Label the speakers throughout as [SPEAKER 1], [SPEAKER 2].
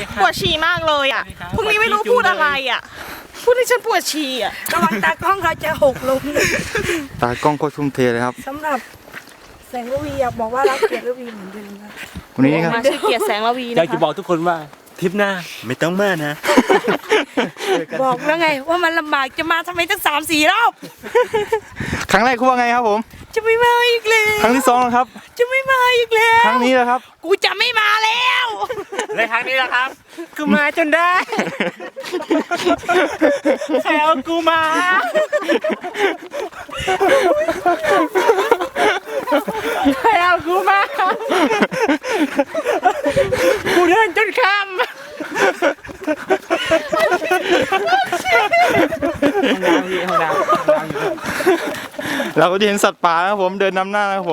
[SPEAKER 1] ปวดฉี่มากเลยอ่ะพรุ่งนี้ไม่รู้พูดอะไรอ่ะพูดให้ฉันปวดฉี่อ่ะ
[SPEAKER 2] ระวังตากล้องเราจะหกลง
[SPEAKER 3] ตากล้องโคตรทุ่มเทเลยครับ
[SPEAKER 2] สำหรับแสงระวีอยากบอกว่ารักเกียรติระวีเหมือนเดิมนะ
[SPEAKER 3] วันนี้ครับ
[SPEAKER 1] มาชื่อเกียรติแสงระวี
[SPEAKER 4] อยา
[SPEAKER 1] นะ
[SPEAKER 4] กจะ
[SPEAKER 1] คะ
[SPEAKER 4] บอกทุกคนว่าทริปหน้าไม่ต้องมานะ
[SPEAKER 2] บอกแล้วไงว่ามันลำบากจะมาทำไมตั้ง3-4 รอบ
[SPEAKER 3] ครั้งแรกคุณว่าไงครับผม
[SPEAKER 2] จะไม่มาอีกแล้ว
[SPEAKER 3] ครั้งที่2นะครับ
[SPEAKER 2] จะไม่มาอีกแล้ว
[SPEAKER 3] ครั้งนี้นะครับ
[SPEAKER 2] กูจะไม่มาแล้ว
[SPEAKER 4] ในครั้งนี้นะครับกูมาจนได้ใครเอากูมาใครเอากูมากูเดินจนค่ำห้องน้ำ
[SPEAKER 3] เราก็จะเห็นสัตว์ป่านะครับผมเดินนำหน้านะครับผม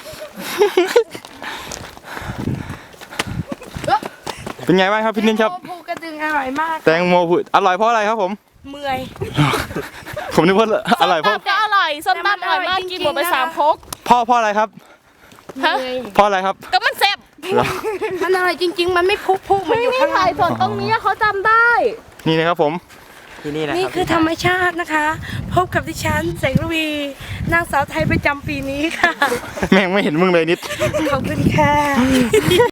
[SPEAKER 3] เป็นไงบ้างครับพี่นิ่มครับ
[SPEAKER 2] ภูกระดึงอร่อยมาก
[SPEAKER 3] แตงโมผุดอร่อยเพราะอะไรครับผม
[SPEAKER 2] เมื่อย
[SPEAKER 3] ผมนึกว่าอร่อยเพราะ
[SPEAKER 1] ส้มตำก็อร่อยส้มตำอร่อยมากกินหมดไป3 ครก
[SPEAKER 3] เพราะอะไรครับ
[SPEAKER 1] ฮะ
[SPEAKER 3] เพราะอะไรครับ
[SPEAKER 1] ก็มันแซ่บ
[SPEAKER 3] เหรอ
[SPEAKER 2] มันอร่อยจริง ๆ มันไม่พุมันอยู่ข้างใน
[SPEAKER 1] ถ่ายสดตรงนี้เขาจำได้
[SPEAKER 3] นี่นะครับผม
[SPEAKER 4] ที่นี่นะครับ
[SPEAKER 2] นี่คือธรรมชาตินะคะ พบกับดิฉันแสงระวีนางสาวไทยประจำปีนี้ค่ะ
[SPEAKER 3] แม่งไม่เห็นมึงเลยนิด
[SPEAKER 2] ขอบคุณค่ะ